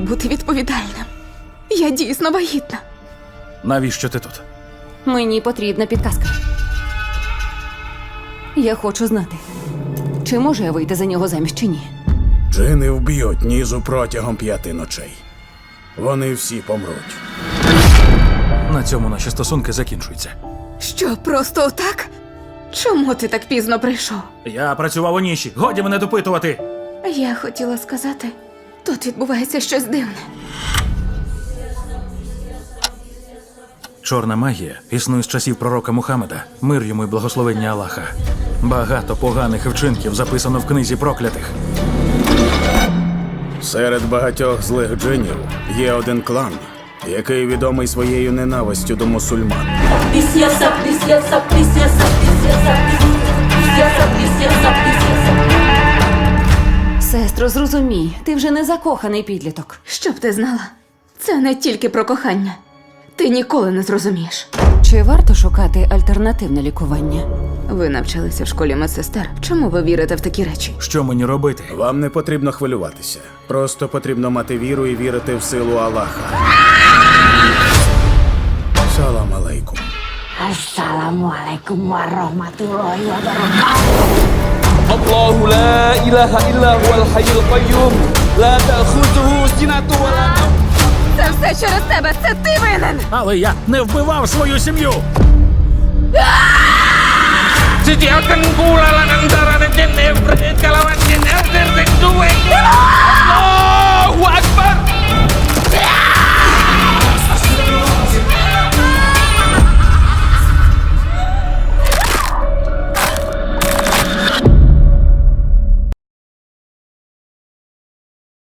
бути відповідальним. Я дійсно вагітна. Навіщо ти тут? Мені потрібна підказка. Я хочу знати, чи можу я вийти за нього заміж чи ні. Джини вб'ють Нізу протягом 5 ночей. Вони всі помруть. На цьому наші стосунки закінчуються. Що, просто отак? Чому ти так пізно прийшов? Я працював у ніші. Годі мене допитувати. Я хотіла сказати, тут відбувається щось дивне. Чорна магія існує з часів пророка Мухаммеда. Мир йому й благословення Аллаха. Багато поганих вчинків записано в книзі проклятих. Серед багатьох злих джинів є один клан, який відомий своєю ненавистю до мусульман. Сестро, зрозумій, ти вже не закоханий підліток. Щоб ти знала, це не тільки про кохання. Ти ніколи не зрозумієш. Чи варто шукати альтернативне лікування? Ви навчалися в школі медсестер. Чому ви вірите в такі речі? Що мені робити? Вам не потрібно хвилюватися. Просто потрібно мати віру і вірити в силу Аллаха. Салам алейкум. Assalamualaikum warahmatullahi wabarakatuh. الله لا إله إلا هو الحي القيوم لا تأخذه سنة ولا نوم. Це все через тебе! Це ти винен! Але я не вбивав свою сім'ю! Setiakan pula antara jin Ibrit kalawan jin Ibrit